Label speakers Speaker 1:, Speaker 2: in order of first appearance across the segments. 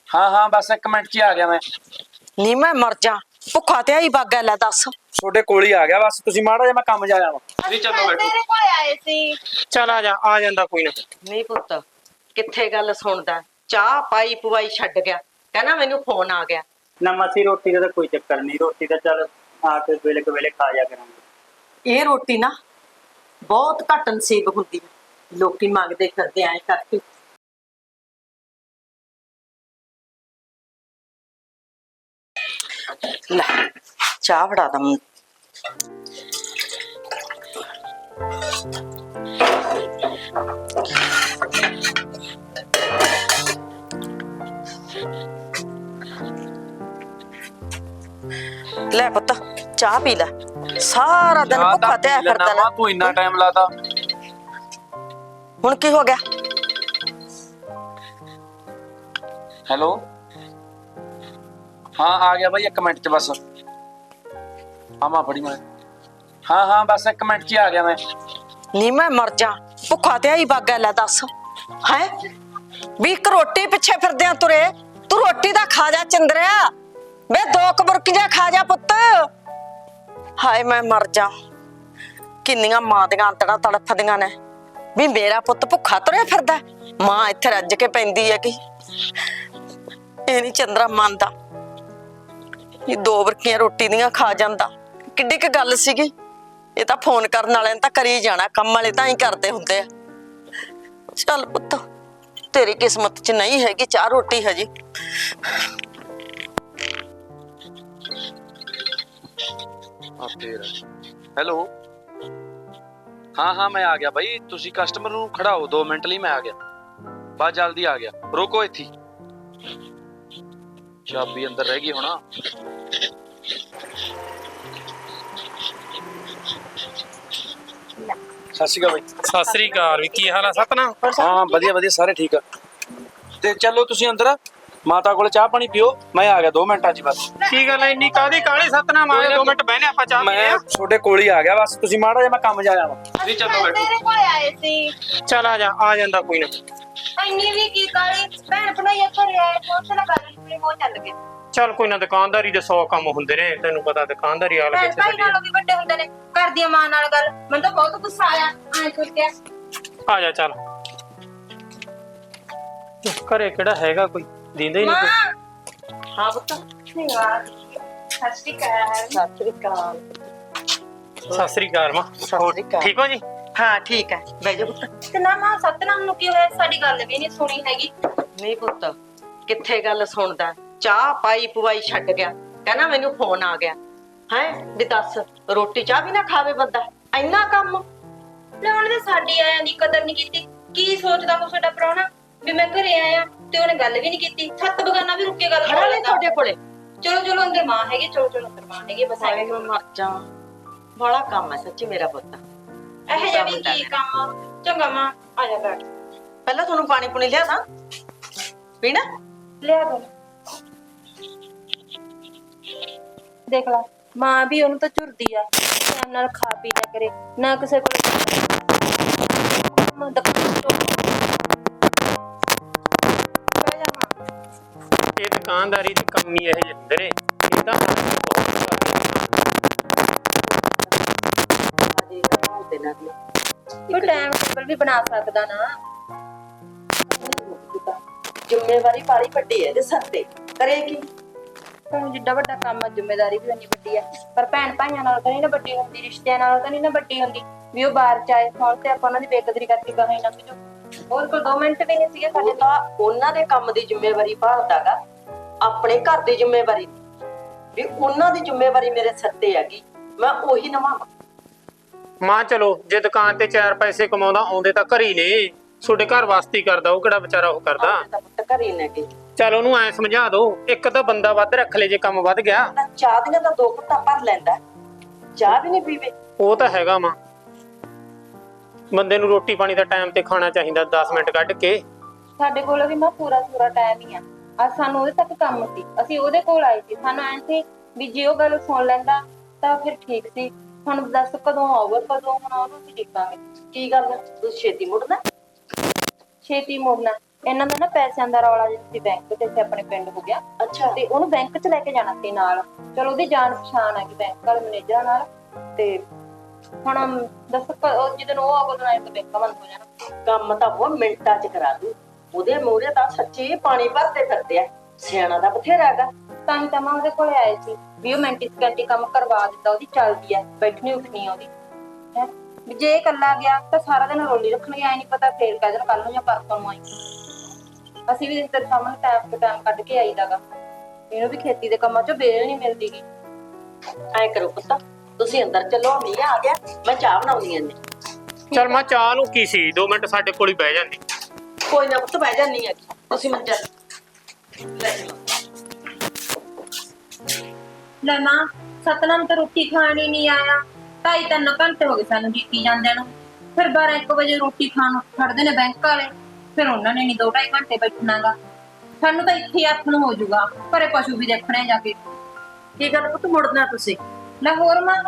Speaker 1: हाँ हाँ बस 1 मिनट च आ गया मैं।
Speaker 2: ਨੀ ਮੈਂ ਮਰ ਜਾ ਭੁੱਖਾ ਤੇ ਆਈ ਬਾਗਾ ਲੈ ਦੱਸ।
Speaker 1: ਤੁਹਾਡੇ ਕੋਲ ਹੀ ਆ ਗਿਆ ਬਸ ਤੁਸੀਂ ਮਾੜਾ ਜਿਹਾ ਮੈਂ ਕੰਮ ਜਾ ਆਵਾਂ। ਤੁਸੀਂ ਚੱਲੋ ਬੈਠੋ।
Speaker 3: ਤੇਰੇ ਕੋਲ ਆਏ ਸੀ।
Speaker 4: ਚੱਲ ਆ ਜਾਂਦਾ ਕੋਈ ਨਾ।
Speaker 2: ਨਹੀਂ ਪੁੱਤ ਕਿੱਥੇ ਗੱਲ ਸੁਣਦਾ, ਚਾਹ ਪਾਈ ਪਵਾਈ ਛੱਡ ਗਿਆ, ਕਹਿੰਦਾ ਮੈਨੂੰ ਫੋਨ ਆ ਗਿਆ।
Speaker 5: ना मसी रोटी का तो कोई चक्कर नहीं, रोटी तो चल आके वेले के वेले खा जा करेंगे।
Speaker 2: ਇਹ ਰੋਟੀ ਨਾ ਬਹੁਤ ਘੱਟ ਨਸੀਬ ਹੁੰਦੀ ਹੈ, ਲੋਕੀ ਮੰਗਦੇ ਫਿਰਦੇ ਐ ਕਰਕੇ। ਲੈ ਚਾਹ ਫੜਾ ਦਾਂ ਮੈਨੂੰ। ਲੈ ਪੁੱਤ ਚਾਹ ਪੀ ਲੈ, ਸਾਰਾ ਦਿਨ ਭੁੱਖਾ ਤੇ ਐ ਫਿਰਦਾ ਨਾ।
Speaker 1: ਤੂੰ ਇੰਨਾ ਟਾਈਮ ਲਾਤਾ।
Speaker 2: ਹੁਣ ਕੀ ਹੋ ਗਿਆ?
Speaker 1: हेलो हाँ आ गया भाई 1 मिनट च बस। हाँ मां बड़ी मैं हाँ हाँ बस 1 मिनट च आ गया मैं।
Speaker 2: ਨੀ ਮੈਂ ਮਰ ਜਾ ਭੁੱਖਾ ਤੇ ਆਈ ਬਾਗਾ ਲੈ ਦੱਸ ਹੈ ਵੀ ਇੱਕ ਰੋਟੀ ਪਿੱਛੇ ਫਿਰਦੇ ਆ ਤੁਰੇ। ਤੂੰ ਰੋਟੀ ਦਾ ਖਾ ਜਾ ਚੰਦਰਿਆ, ਵੇ 2 ਕਬਰਕੀਆਂ ਖਾ ਜਾ ਪੁੱਤ। ਹਾਏ ਮੈਂ ਮਰ ਜਾ, ਕਿੰਨੀਆਂ ਮਾਂ ਦੀਆਂ ਅੰਤੜਾਂ ਤੜਫਦੀਆਂ ਨੇ ਵੀ ਮੇਰਾ ਪੁੱਤ ਭੁੱਖਾ ਤੁਰਿਆ ਫਿਰਦਾ। ਮਾਂ ਇੱਥੇ ਰੱਜ ਕੇ ਪੈਂਦੀ ਹੈ ਕਿ ਇਹ ਨਹੀਂ ਚੰਦਰਾ ਮੰਨਦਾ, ਇਹ 2 ਬਰਕੀਆਂ ਰੋਟੀ ਦੀਆਂ ਖਾ ਜਾਂਦਾ। ਕਿੱਡੀ ਕੁ ਗੱਲ ਸੀਗੀ, ਇਹ ਤਾਂ ਫੋਨ ਕਰਨ ਵਾਲਿਆਂ ਨੇ ਤਾਂ ਕਰੀ ਜਾਣਾ, ਕੰਮ ਵਾਲੇ ਤਾਂ ਹੀ ਕਰਦੇ ਹੁੰਦੇ ਆ। ਚੱਲ ਪੁੱਤ ਤੇਰੀ ਕਿਸਮਤ 'ਚ ਨਹੀਂ ਹੈਗੀ ਚਾਹ ਰੋਟੀ ਹਜੇ।
Speaker 1: हेलो हाँ हाँ मैं आ गया भाई, तुसी कस्टमर नूं खड़ाओ 2 मिनट ਲਈ मैं आ गया बस जल्दी आ गया। रोको इत्थे चाबी अंदर रह गई होना। सत श्री अकाल भाई।
Speaker 4: ਸਤਿ ਸ੍ਰੀ ਅਕਾਲ ਵੀ ਕੀ ਹਾਲ ਆ ਸਤਨਾਮ?
Speaker 1: हाँ ਵਧੀਆ ਵਧੀਆ ਸਾਰੇ ਠੀਕ ਆ। ਤੇ ਚਲੋ ਤੁਸੀਂ ਅੰਦਰ ਮਾਤਾ ਕੋਲ ਚਾਹ ਪਾਣੀ ਪੀਓ, ਮੈਂ ਆ ਗਿਆ 2 ਮਿੰਟਾਂ 'ਚ ਬਸ।
Speaker 4: ਕੀ ਗੱਲ ਐ ਇੰਨੀ ਕਾਹਦੀ ਕਾਹਲੀ ਸਤਨਾਮ? ਆ 2 ਮਿੰਟ ਬਹਿਨੇ ਆਪਾਂ ਚਾਹ ਪੀਨੇ
Speaker 1: ਮੈਂ
Speaker 4: ਆ।
Speaker 1: ਤੁਹਾਡੇ ਕੋਲ ਹੀ ਆ ਗਿਆ ਬਸ ਤੁਸੀਂ ਮਾੜਾ ਜਿਹਾ ਮੈਂ ਕੰਮ ਜਾ ਆਵਾਂ। ਤੁਸੀਂ ਚੱਲੋ ਬੈਠੋ।
Speaker 3: ਤੇਰੇ ਕੋਲ ਆਏ ਸੀ।
Speaker 4: ਚੱਲ ਆ ਜਾਂਦਾ ਕੋਈ ਨਾ।
Speaker 3: ਇੰਨੀ ਵੀ ਕੀ ਕਾਲੀ ਭੈਣ ਭਣਾਈ ਘਰੇ ਆਏ ਫੋਨ ਤੇ ਲਗਾ ਲਈ ਮੋਹ ਚੱਲ ਗਏ।
Speaker 4: ਚੱਲ ਕੋਈ ਨਾ, ਦੁਕਾਨਦਾਰੀ ਦੇ 100 ਕੰਮ ਹੁੰਦੇ ਨੇ, ਤੈਨੂੰ ਪਤਾ ਦੁਕਾਨਦਾਰੀ ਵਾਲਾ
Speaker 3: ਭੈਣ
Speaker 4: ਕਿੱਥੇ
Speaker 3: ਭਾਈ
Speaker 4: ਛੱਡੀ।
Speaker 3: ਨਾਲੋਂ ਵੀ ਵੱਡੇ ਹੁੰਦੇ ਨੇ, ਘਰ ਦੀ ਮਾਂ ਨਾਲ ਗੱਲ। ਮੈਨੂੰ ਤਾਂ ਬਹੁਤ ਗੁੱਸਾ ਆਇਆ ਐਂ ਸੁਣ ਕੇ।
Speaker 4: ਆ ਜਾ ਚੱਲ। ਘਰੇ ਕਿਹੜਾ ਹੈਗਾ ਕੋਈ, ਦੀਂਦਾ ਹੀ ਨਹੀਂ ਕੋਈ।
Speaker 3: ਮਾਂ
Speaker 2: ਹਾਂ ਪੁੱਤ
Speaker 3: ਯਾਰ ਸਤਿ ਸ਼੍ਰੀ ਅਕਾਲ।
Speaker 2: ਸਤਿ ਸ੍ਰੀ ਅਕਾਲ।
Speaker 4: ਸਤਿ ਸ੍ਰੀ ਅਕਾਲ ਮਾਂ,
Speaker 2: ਸਤਿ ਸ੍ਰੀ ਅਕਾਲ।
Speaker 4: ਠੀਕ ਹੋ ਜੀ?
Speaker 2: ਹਾਂ ਠੀਕ ਹੈ, ਬਹਿ ਜਾ ਪੁੱਤ।
Speaker 3: ਤੇ ਨਾ ਮਾਂ ਸਤਨਾਮ ਨੂੰ ਕੀ ਹੋਇਆ? ਸਾਡੀ ਗੱਲ ਵੀ ਨਹੀਂ ਸੁਣੀ ਹੈਗੀ।
Speaker 2: ਨਹੀਂ ਪੁੱਤ ਕਿੱਥੇ ਗੱਲ ਸੁਣਦਾ, ਚਾਹ ਪਾਈ ਪਵਾਈ ਛੱਡ ਗਿਆ, ਕਹਿੰਦਾ ਮੈਨੂੰ ਫੋਨ ਆ ਗਿਆ। ਹੈ ਵੀ ਦੱਸ ਰੋਟੀ ਚਾਹ ਵੀ ਨਾ ਖਾਵੇ ਬੰਦਾ, ਇੰਨਾ ਕੰਮ।
Speaker 3: ਲੈ ਉਹਨੇ ਤਾਂ ਸਾਡੀ ਆਇਆਂ ਦੀ ਕਦਰ ਨਹੀਂ ਕੀਤੀ। ਕੀ ਸੋਚਦਾ ਉਹ ਸਾਡਾ ਪ੍ਰਾਹੁਣਾ ਵੀ ਮੈਂ ਘਰੇ ਆਇਆ ਤੇ ਉਹਨੇ ਗੱਲ ਵੀ ਨਹੀਂ ਕੀਤੀ। ਸੱਤ ਬਗਾਨਾ ਵੀ ਰੁੱਕ ਕੇ ਗੱਲ
Speaker 2: ਖੜਾ
Speaker 3: ਕਰ
Speaker 2: ਨਹੀਂ
Speaker 3: ਲੈਂਦਾ।
Speaker 2: ਤੁਹਾਡੇ ਕੋਲੇ।
Speaker 3: ਚਲੋ ਚਲੋ ਅੰਦਰ ਮਾਂ ਹੈਗੀ, ਚਲੋ ਚਲੋ ਅੰਦਰ ਮਾਂ ਹੈਗੀ। ਬਸ
Speaker 2: ਹਾਏ
Speaker 3: ਐਵੇਂ
Speaker 2: ਮੈਂ ਮਰ ਜਾ, ਬੜਾ ਕੰਮ ਹੈ ਸੱਚੀ ਮੇਰਾ ਪੁੱਤ।
Speaker 3: ਇਹ ਜਿਹਾ ਵੀ ਕੀ ਕੰਮ। ਚੰਗਾ ਮਾਂ ਆ ਜਾ ਬੈਠ।
Speaker 2: ਪਹਿਲਾਂ ਤੁਹਾਨੂੰ ਪਾਣੀ ਪੁਣੀ ਲਿਆ ਦਾਂ ਪੀਣਾ।
Speaker 3: ਲਿਆ ਦੋ। ਦੇਖ ਲਾ ਮਾਂ ਵੀ ਉਹਨੂੰ ਤਾਂ ਝੁਰਦੀ ਆ, ਟਾਈਮ ਨਾਲ ਖਾ ਪੀ ਲਿਆ ਕਰੇ ਨਾ ਕਿਸੇ ਕੋਲ।
Speaker 4: ਇਹ ਦੁਕਾਨਦਾਰੀ ਦੀ ਕਮੀ ਇਹ ਜਿਹੇ ਹੁੰਦੇ ਨੇ, ਇਹ ਤਾਂ
Speaker 3: ਕੋਈ ਟਾਈਮ ਟੇਬਲ ਵੀ ਬਣਾ ਸਕਦਾ ਨਾ।
Speaker 2: ਜ਼ਿੰਮੇਵਾਰੀ ਪਾਲੀ ਵੱਡੀ ਹੈ ਤੇ ਸਿਰ ਤੇ ਕਰੇ ਕੀ।
Speaker 3: ਤੁਹਾਨੂੰ ਜਿੱਡਾ ਵੱਡਾ ਕੰਮ ਹੈ, ਜ਼ਿੰਮੇਵਾਰੀ ਵੀ ਉਨੀ ਵੱਡੀ ਹੈ। ਪਰ ਭੈਣ ਭਾਈਆਂ ਨਾਲ ਤਾਂ ਨਹੀਂ ਨਾ ਵੱਡੀ ਹੁੰਦੀ, ਰਿਸ਼ਤਿਆਂ ਨਾਲ ਤਾਂ ਨਹੀਂ ਨਾ ਵੱਡੀ ਹੁੰਦੀ ਵੀ ਉਹ ਬਾਹਰ ਚ ਆਏ ਫੋਨ ਤੇ ਆਪਾਂ ਉਹਨਾਂ ਦੀ ਬੇਕਦਰੀ ਕਰਕੇ ਗਾਹਾਂ ਹੀ ਲੰਘ ਜਾਓ। ਹੋਰ ਕੋਲ 2 ਮਿੰਟ ਵੀ ਨਹੀਂ ਸੀਗੇ ਸਾਡੇ।
Speaker 2: ਉਹ ਤਾਂ ਉਹਨਾਂ ਦੇ ਕੰਮ ਦੀ ਜ਼ਿੰਮੇਵਾਰੀ ਭਾਲਦਾਗਾ, ਆਪਣੇ ਘਰ ਦੀ ਜ਼ਿੰਮੇਵਾਰੀ ਵੀ ਉਹਨਾਂ ਦੀ ਜ਼ਿੰਮੇਵਾਰੀ ਮੇਰੇ ਸਿਰ ਤੇ ਹੈਗੀ, ਮੈਂ ਉਹੀ ਨਿਭਾਵਾਂ।
Speaker 4: ਮਾਂ ਚਲੋ ਜੇ ਦੁਕਾਨ ਤੇ 4 ਪੈਸੇ ਕਮਾਉਂਦਾ ਆਉਂਦੇ ਤਾਂ ਘਰ ਹੀ ਨੇ, ਤੁਹਾਡੇ ਘਰ ਵਾਸਤੇ ਕਰਦਾ, ਉਹ ਕਿਹੜਾ ਵਿਚਾਰਾ ਉਹ ਕਰਦਾ।
Speaker 2: ਤਾਂ ਪੁੱਤ ਘਰੇ ਲੈ ਕੇ
Speaker 4: ਚੱਲ ਉਹਨੂੰ ਐ ਸਮਝਾ ਦੋ, ਇੱਕ ਤਾਂ ਬੰਦਾ ਵੱਧ ਰੱਖ ਲੈ ਜੇ ਕੰਮ ਵੱਧ ਗਿਆ।
Speaker 2: ਨਾ ਚਾਹ ਦੀਆਂ ਤਾਂ 2 ਘੁੱਟਾਂ ਭਰ ਲੈਂਦਾ, ਚਾਹ ਵੀ ਨਹੀਂ ਪੀਵੇ।
Speaker 4: ਉਹ ਤਾਂ ਹੈਗਾ ਮਾਂ, ਬੰਦੇ ਨੂੰ ਰੋਟੀ ਪਾਣੀ ਦਾ ਟਾਈਮ ਤੇ ਖਾਣਾ ਚਾਹੀਦਾ 10 ਮਿੰਟ ਕੱਢ ਕੇ।
Speaker 3: ਸਾਡੇ ਕੋਲ ਵੀ ਨਾ ਪੂਰਾ ਟਾਈਮ ਹੀ ਆ। ਅੱਜ ਸਾਨੂੰ ਉਹਦੇ ਤੱਕ ਕੰਮ ਸੀ, ਅਸੀਂ ਉਹਦੇ ਕੋਲ ਆਏ ਸੀ। ਸਾਨੂੰ ਐਂ ਸੀ ਵੀ ਜੇ ਉਹ ਗੱਲ ਸੁਣ ਲੈਂਦਾ ਤਾਂ ਫਿਰ ਠੀਕ ਸੀ। ਹੁਣ ਦੱਸ ਕਦੋਂ ਆਊਗਾ, ਕਦੋਂ ਹੁਣ ਉਹਨੂੰ ਅਸੀਂ ਦੇਖਾਂਗੇ।
Speaker 2: ਕੀ ਗੱਲ ਤੂੰ ਛੇਤੀ ਮੁੜਨਾ?
Speaker 3: ਛੇਤੀ ਮੁੜਨਾ ਇਹਨਾਂ ਦਾ ਨਾ ਪੈਸਿਆਂ ਦਾ ਰੌਲਾ ਜਿਹਾ ਸੀ ਬੈਂਕ ਤੇ ਇੱਥੇ ਆਪਣੇ ਪਿੰਡ ਹੋ ਗਿਆ।
Speaker 2: ਅੱਛਾ
Speaker 3: ਤੇ ਉਹਨੂੰ ਬੈਂਕ 'ਚ ਲੈ ਕੇ ਜਾਣਾ ਸੀ ਨਾਲ। ਚਲੋ ਉਹਦੀ ਜਾਣ ਪਛਾਣ ਆ ਗਈ ਬੈਂਕ ਵਾਲੇ ਮੈਨੇਜਰ ਨਾਲ। ਤੇ ਹੁਣ ਦੱਸ ਜਦੋਂ ਉਹ ਆਗੋ ਨਾ ਬੈਂਕ ਬੰਦ ਹੋ ਜਾਣਾ।
Speaker 2: ਕੰਮ ਤਾਂ ਉਹ ਮਿੰਟਾਂ 'ਚ ਕਰਾ ਦੂ। ਉਹਦੇ ਮੂਹਰੇ ਤਾਂ ਸੱਚੀ ਪਾਣੀ ਭਰਦੇ ਫਿਰਦੇ ਆ। ਸਿਆਣਾ ਦਾ ਬਥੇਰਾ ਹੈਗਾ।
Speaker 3: ਤਾਂ ਹੀ ਤਾਂ ਮੈਂ ਉਹਦੇ ਕੋਲੇ ਆਏ ਸੀ ਵੀ ਉਹ ਮਿੰਟੀ ਸਕਿੰਟੀ ਕੰਮ ਕਰਵਾ ਦਿੰਦਾ। ਉਹਦੀ ਚੱਲਦੀ ਆ, ਬੈਠਣੀ ਉੱਠਣੀ ਆ ਉਹਦੀ ਹੈ। ਵੀ ਜੇ ਇਹ ਇਕੱਲਾ ਗਿਆ ਤਾਂ ਸਾਰਾ ਦਿਨ ਰੋਲੀ ਰੱਖਣਗੇ। ਐ ਨਹੀਂ ਪਤਾ ਫੇਰ ਕਹਿ ਦੇਣ ਕੱਲ ਨੂੰ ਜਾਂ ਪਰਸੋਂ ਨੂੰ ਆਈ। ਅਸੀਂ ਵੀ ਤੇਰੇ ਸਾਹਮਣੇ ਟਾਈਮ ਤੋਂ ਟਾਈਮ ਕੱਢ ਕੇ ਆਈਦਾਗਾ। ਇਹਨੂੰ ਵੀ ਖੇਤੀ ਦੇ ਕੰਮਾਂ 'ਚੋਂ ਵੇਲ ਨਹੀਂ ਮਿਲਦੀ ਗੀ।
Speaker 2: ਐ ਕਰੋ ਪੁੱਤ, ਤੁਸੀਂ ਅੰਦਰ ਚੱਲੋ, ਮੀਂਹ ਆ ਗਿਆ, ਮੈਂ ਚਾਹ ਬਣਾਉਣੀ ਐ।
Speaker 4: ਚਲ ਮੈਂ ਚਾਹ ਨੂੰ ਕੀ ਸੀ 2 ਮਿੰਟ ਸਾਡੇ ਕੋਲ ਹੀ ਬਹਿ ਜਾਂਦੀ।
Speaker 2: ਕੋਈ ਨਾ ਪੁੱਤ, ਬਹਿ ਜਾਨੀ ਆ। ਤੁਸੀਂ ਮੰਜਾ ਲੈ ਲਓ।
Speaker 3: ਲੈ ਮਾਂ, ਸਤਨਾਮ ਤਾਂ ਰੋਟੀ ਖਾਣ ਹੀ ਨਹੀਂ ਆਇਆ। 2.5-3 ਘੰਟੇ ਹੋ ਗਏ ਸਾਨੂੰ ਡੀਕੀ ਜਾਂਦਿਆਂ ਨੂੰ। ਫਿਰ 12-1 ਵਜੇ ਰੋਟੀ ਖਾਣ ਨੂੰ ਖੜਦੇ ਨੇ ਬੈਂਕ ਵਾਲੇ। ਫਿਰ ਉਹਨਾਂ ਨੇ ਨਹੀਂ 2-2.5 ਘੰਟੇ ਬੈਠਣਾਗਾ। ਸਾਨੂੰ ਤਾਂ ਇੱਥੇ ਹੱਥ ਨੂੰ ਹੋ ਜਾਊਗਾ, ਘਰੇ ਪਸ਼ੂ ਵੀ ਦੇਖਣੇ ਜਾ ਕੇ।
Speaker 2: ਕੀ ਗੱਲ ਪੁੱਤ, ਮੁੜਨਾ ਤੁਸੀਂ?
Speaker 3: ਲੈ ਹੋਰ ਮਾਂ,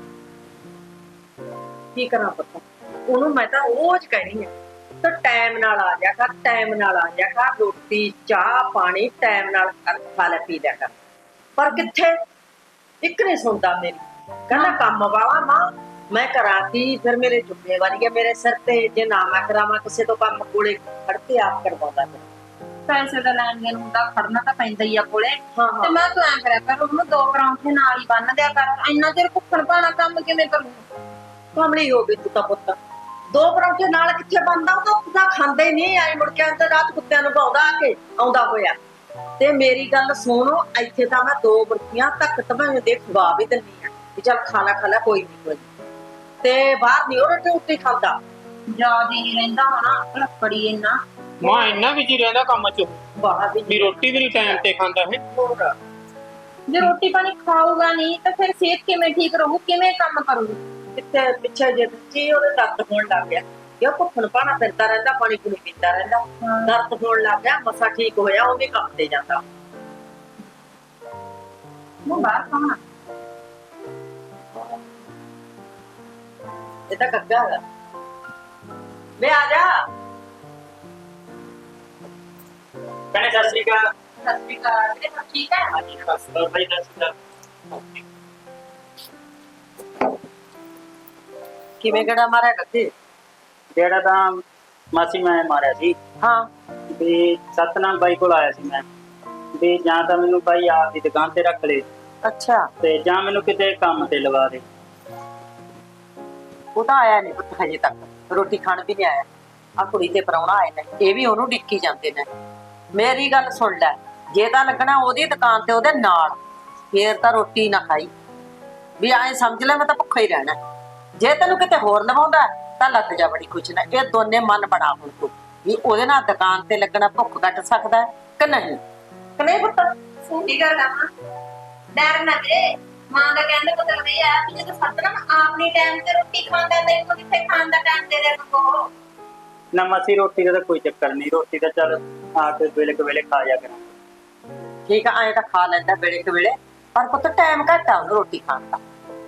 Speaker 2: ਕੀ ਕਰਾਂ ਪੁੱਤ, ਉਹਨੂੰ ਮੈਂ ਤਾਂ ਰੋਜ਼ ਕਹਿਣੀ ਆ ਤਾਂ ਟਾਈਮ ਨਾਲ ਆ ਜਾ ਕਰ, ਟਾਈਮ ਨਾਲ ਆ ਜਾ ਕਰ, ਰੋਟੀ ਚਾਹ ਪਾਣੀ ਟਾਈਮ ਨਾਲ ਖਾ ਲੈ ਪੀ ਲਿਆ ਕਰ। ਪਰ ਕਿੱਥੇ, ਇੱਕ ਨਹੀਂ ਸੁਣਦਾ ਮੇਰੀ। ਕਹਿੰਦਾ ਕੰਮ ਵਾਲਾ ਮਾਂ, ਮੈਂ ਕਰਾਂ ਕੀ? ਫਿਰ ਮੇਰੇ ਜ਼ਿੰਮੇਵਾਰੀ ਹੈ ਮੇਰੇ ਸਿਰ ਤੇ। ਜੇ ਨਾ ਮੈਂ ਕਰਾਵਾਂ ਕਿਸੇ ਤੋਂ ਕੰਮ, ਕੋਲੇ ਖੜ ਕੇ ਆਪ ਕਰਵਾਉਂਦਾ ਫਿਰ।
Speaker 3: ਪੈਸੇ ਦਾ ਲੈਣ ਦੇਣ ਹੁੰਦਾ, ਖੜਨਾ ਤਾਂ ਪੈਂਦਾ ਹੀ ਆ ਕੋਲੇ।
Speaker 2: ਹਾਂ।
Speaker 3: ਤੇ ਮੈਂ ਤੂੰ ਐਂ ਕਰਿਆ ਕਰ, ਉਹਨੂੰ 2 ਪਰੌਂਠੇ ਨਾਲ ਹੀ ਬੰਨ ਦਿਆ ਕਰ। ਇੰਨਾ ਚਿਰ ਭੁੱਖਣ ਭਾਣਾ ਕੰਮ ਕਿਵੇਂ ਕਰੂ?
Speaker 2: ਕਮਲੀ ਹੋ ਗਈ ਤੂੰ ਤਾਂ ਪੁੱਤ। 2 ਪਰੌਂਠੇ ਨਾਲ ਕਿੱਥੇ ਬਣਦਾ? ਉਹ ਤਾਂ ਖਾਂਦੇ ਹੀ ਨਹੀਂ। ਆਏ ਮੁੜ ਕੇ ਅੰਦਰ ਰਾਤ ਕੁੱਤਿਆਂ ਨੂੰ ਪਾਉਂਦਾ ਆ ਕੇ ਆਉਂਦਾ ਹੋਇਆ। ਤੇ ਮੇਰੀ ਗੱਲ ਸੁਣੋ, ਇੱਥੇ ਤਾਂ ਮੈਂ 2 ਬਰਕੀਆਂ ਤੱਕ ਤਬਾਹ ਦੇ ਖਵਾ ਵੀ ਦਿੰਦੀ ਆ ਵੀ ਚੱਲ ਖਾਣਾ ਖਾ ਲੈ, ਕੋਈ ਨਹੀਂ। ਤੇ ਬਾਹਰ ਨਹੀਂ ਉਹ ਰੋਟੀ ਖਾਂਦਾ।
Speaker 3: ਯਾਦ ਹੀ ਨਹੀਂ ਰਹਿੰਦਾ ਹੋਣਾ, ਲੱਕੜੀ ਇੰਨਾ।
Speaker 4: ਮਾਂ ਇੰਨਾ ਵੀ ਜੀ ਰਹਿੰਦਾ ਕੰਮ 'ਚ
Speaker 2: ਬਾਹਰ
Speaker 4: ਵੀ ਰੋਟੀ ਵੀ ਨਹੀਂ ਟਾਈਮ ਤੇ ਖਾਂਦਾ ਹੈ।
Speaker 3: ਜੇ ਰੋਟੀ ਪਾਣੀ ਖਾਊਗਾ ਨਹੀਂ ਤਾਂ ਫਿਰ ਸਿਹਤ ਕਿਵੇਂ ਠੀਕ ਰਹੂ? ਕਿਵੇਂ ਕੰਮ ਕਰੂਗੀ?
Speaker 2: ਕਿੱਥੇ ਪਿੱਛੇ ਜੇ ਬੱਚੀ ਉਹਦੇ ਦਰਦ ਹੋਣ ਲੱਗ ਗਿਆ। ਕਿਉਂ ਭੁੱਖਣ ਭਾਣਾ ਫਿਰਦਾ ਰਹਿੰਦਾ, ਪਾਣੀ ਪੂਣੀ ਪੀਂਦਾ ਰਹਿੰਦਾ, ਦਰਦ ਹੋਣ ਲੱਗ ਗਿਆ। ਮਸਾ ਠੀਕ ਹੋਇਆ, ਉਹ ਵੀ ਕੰਮ ਤੇ ਜਾਂਦਾ।
Speaker 3: ਉਹ ਬਾਹਰ ਖਾਣਾ
Speaker 2: ਇਹ ਤਾਂ ਗੱਗਾ ਹੈਗਾ। ਵੇ ਆ ਜਾ।
Speaker 5: ਭੈਣੇ ਸਤਿ ਸ਼੍ਰੀ ਅਕਾਲ।
Speaker 3: ਸਤਿ ਸ਼੍ਰੀ ਅਕਾਲ। ਵੀਰੇ ਸਭ ਠੀਕ ਹੈ?
Speaker 5: ਹਾਂਜੀ ਬਸ ਭਾਈ ਸਤਿ ਸ਼੍ਰੀ ਅਕਾਲ।
Speaker 2: ਕਿਵੇਂ ਗੜਾ ਮਾਰਿਆ ਗੱਗੇ?
Speaker 5: ਜਿਹੜਾ ਤਾਂ ਮਾਸੀ ਮੈਂ ਮਾਰਿਆ ਸੀ
Speaker 2: ਹਾਂ
Speaker 5: ਵੀ ਸਤਨਾਮ ਬਾਈ ਕੋਲ ਆਇਆ ਸੀ ਮੈਂ ਵੀ ਜਾਂ ਤਾਂ ਮੈਨੂੰ ਬਾਈ ਆਪ ਦੀ ਦੁਕਾਨ ਤੇ ਰੱਖ ਲੈ
Speaker 2: ਅੱਛਾ।
Speaker 5: ਤੇ ਜਾਂ ਮੈਨੂੰ ਕਿਤੇ ਕੰਮ ਤੇ ਲਵਾ ਦੇ।
Speaker 2: ਉਹ ਤਾਂ ਆਇਆ ਨਹੀਂ ਪੁੱਤ ਹਜੇ ਤੱਕ, ਰੋਟੀ ਖਾਣ ਵੀ ਨਹੀਂ ਆਇਆ। ਆ ਕੁੜੀ ਤੇ ਪ੍ਰਾਹੁਣਾ ਆਏ ਨੇ, ਇਹ ਵੀ ਉਹਨੂੰ ਡਿੱਕੀ ਜਾਂਦੇ ਨੇ। ਮੇਰੀ ਗੱਲ ਸੁਣ ਲੈ, ਜੇ ਤਾਂ ਲੱਗਣਾ ਉਹਦੀ ਦੁਕਾਨ ਤੇ ਉਹਦੇ ਨਾਲ, ਫੇਰ ਤਾਂ ਰੋਟੀ ਨਾ ਖਾਈ। ਵੀ ਐਂ ਸਮਝ ਲੈ ਮੈਂ ਤਾਂ ਭੁੱਖਾ ਹੀ ਰਹਿਣਾ। ਜੇ ਤੈਨੂੰ ਕਿਤੇ ਹੋਰ ਲਵਾਉਂਦਾ ਤਾਂ ਲੱਗ ਜਾ ਬੜੀ ਕੁਛ ਨਾ। ਇਹ ਦੋਨੇ ਮਨ ਬਣਾ ਹੁਣ ਤੂੰ ਵੀ ਉਹਦੇ ਨਾਲ ਦੁਕਾਨ ਤੇ ਲੱਗਣਾ ਭੁੱਖ ਕੱਟ ਸਕਦਾ ਕਿ ਨਹੀਂ? ਕਿ ਨਹੀਂ ਪੁੱਤ?
Speaker 3: ਸਹੀ ਗੱਲ ਆ ਮਾਂ। ਡਰ ਨਾ ਵੀਰੇ, ਮਾਂ ਦਾ ਕਹਿੰਦੇ ਮਤਲਬ ਇਹ ਆ ਕਿ ਜਦੋਂ ਸਤਨਾਮ ਆਪਣੀ ਟਾਈਮ ਤੇ ਰੋਟੀ ਖਾਂਦਾ ਤਾਂ ਇਹਨੂੰ ਕਿੱਥੇ ਖਾਣ ਦਾ ਟਾਈਮ ਦੇ ਦੇ ਕੋ।
Speaker 5: ਨਾ ਮਾਸੀ ਰੋਟੀ ਦਾ ਤਾਂ ਕੋਈ ਚੱਕਰ ਨਹੀਂ, ਰੋਟੀ ਤਾਂ ਚੱਲ ਆ ਕੇ ਵੇਲੇ ਕੁ ਵੇਲੇ ਖਾ ਜਾ ਕਰਾਂਗੇ।
Speaker 2: ਠੀਕ ਆ, ਐਂ ਤਾਂ ਖਾ ਲੈਂਦਾ ਵੇਲੇ ਕੁ ਵੇਲੇ, ਪਰ ਪੁੱਤ ਟਾਈਮ ਘੱਟ ਆ ਉਹਨੂੰ ਰੋਟੀ ਖਾਣ ਦਾ।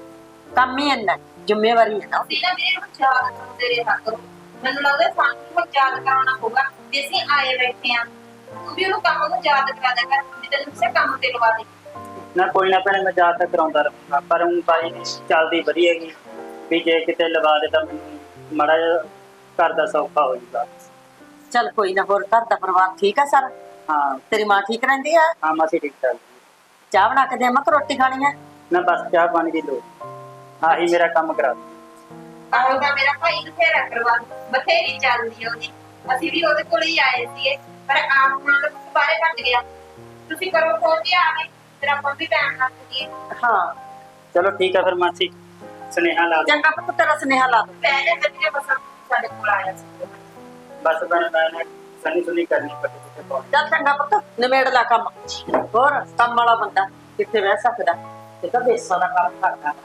Speaker 2: ਕੰਮ ਹੀ ਇੰਨਾ, ਜ਼ਿੰਮੇਵਾਰੀ ਹੈ ਨਾ ਉਹਦੀ।
Speaker 3: ਨਾ ਵੀਰੇ ਨੂੰ ਯਾਦ ਕਰਦੇ ਰਿਹਾ ਕਰੋ। ਮੈਨੂੰ ਲੱਗਦਾ ਸਾਨੂੰ ਨੂੰ ਯਾਦ ਕਰਾਉਣਾ ਪਊਗਾ ਜੇ ਅਸੀਂ ਆਏ ਬੈਠੇ ਆ। ਤੂੰ ਵੀ ਉਹਨੂੰ ਕੰਮ ਨੂੰ ਯਾਦ ਕਰਾ ਦੇ ਕਰ, ਵੀ ਤੈਨੂੰ ਕਿਸੇ ਕੰਮ ਤੇ ਲਵਾ ਦੇ।
Speaker 5: ਨਾ ਕੋਈ ਨਾ ਭੈਣੇ, ਮੈਂ ਯਾਦ ਤਾਂ ਕਰਾਉਂਦਾ ਰਹੂੰਗਾ, ਪਰ ਹੁਣ ਬਾਈ ਚੱਲਦੀ ਵਧੀਆ ਹੈਗੀ ਵੀ ਜੇ ਕਿਤੇ ਲਵਾ ਦੇ ਤਾਂ ਮੈਨੂੰ ਮਾੜਾ ਜਿਹਾ ਘਰ ਦਾ ਸੌਖਾ ਹੋ ਜਾਊਗਾ।
Speaker 2: ਚੱਲ ਕੋਈ ਨਾ। ਹੋਰ ਘਰ ਦਾ ਪਰਿਵਾਰ ਠੀਕ ਆ ਸਾਰਾ?
Speaker 5: ਹਾਂ
Speaker 2: ਤੇਰੀ ਮਾਂ ਠੀਕ ਰਹਿੰਦੀ ਆ?
Speaker 5: ਹਾਂ ਮਾਸੀ ਠੀਕ ਠਾਕ।
Speaker 2: ਚਾਹ ਬਣਾ ਕੇ ਦੇਵਾਂ ਕਿ ਰੋਟੀ ਖਾਣੀ ਹੈ?
Speaker 5: ਨਾ ਬਸ ਚਾਹ ਪਾਣੀ ਦੀ ਲੋੜ, ਆਹੀ ਮੇਰਾ ਕੰਮ ਕਰਾ ਦੇ।
Speaker 3: ਆਹੋ ਤਾਂ ਮੇਰਾ ਭਾਈ ਬਥੇਰਾ ਕਰਵਾ ਬਥੇਰੀ ਚੱਲਦੀ ਆ ਉਹਦੀ। ਅਸੀਂ ਵੀ ਉਹਦੇ ਕੋਲ ਹੀ ਆਏ ਸੀਗੇ, ਪਰ ਆਪ ਨਾਲ ਬਾਰੇ ਘਟ ਗਿਆ। ਤੁਸੀਂ ਕਰੋ ਫੋਨ ਤੇ ਆ ਗਏ, ਫਿਰ ਆਪਾਂ ਵੀ ਟਾਈਮ ਨਾਲ ਕਰੀਏ।
Speaker 2: ਹਾਂ
Speaker 5: ਚਲੋ ਠੀਕ ਆ ਫਿਰ ਮਾਸੀ, ਸੁਨੇਹਾ ਲਾ ਦਿਓ।
Speaker 2: ਚੰਗਾ ਪੁੱਤ, ਤੇਰਾ ਸੁਨੇਹਾ ਲਾ ਦੂੰ।
Speaker 3: ਪੈ ਜਾ ਕਰੀਏ, ਬਸ ਸਾਡੇ ਕੋਲ ਆਇਆ ਸੀ।
Speaker 5: ਬਸ ਮੈਂ ਸਨੀ ਸੁਨੀ ਕਰਨੀ ਪੱਟੀ ਕਿਤੇ ਪਾਉਣੀ।
Speaker 2: ਚੱਲ ਚੰਗਾ ਪੁੱਤ, ਨਿਮੇੜ ਲਾ ਕੰਮ। ਹੋਰ ਕੰਮ ਵਾਲਾ ਬੰਦਾ ਕਿੱਥੇ ਬਹਿ ਸਕਦਾ? ਇਹ ਤਾਂ ਬੇਸਾਂ ਦਾ ਕੰਮ ਕਰਦਾ।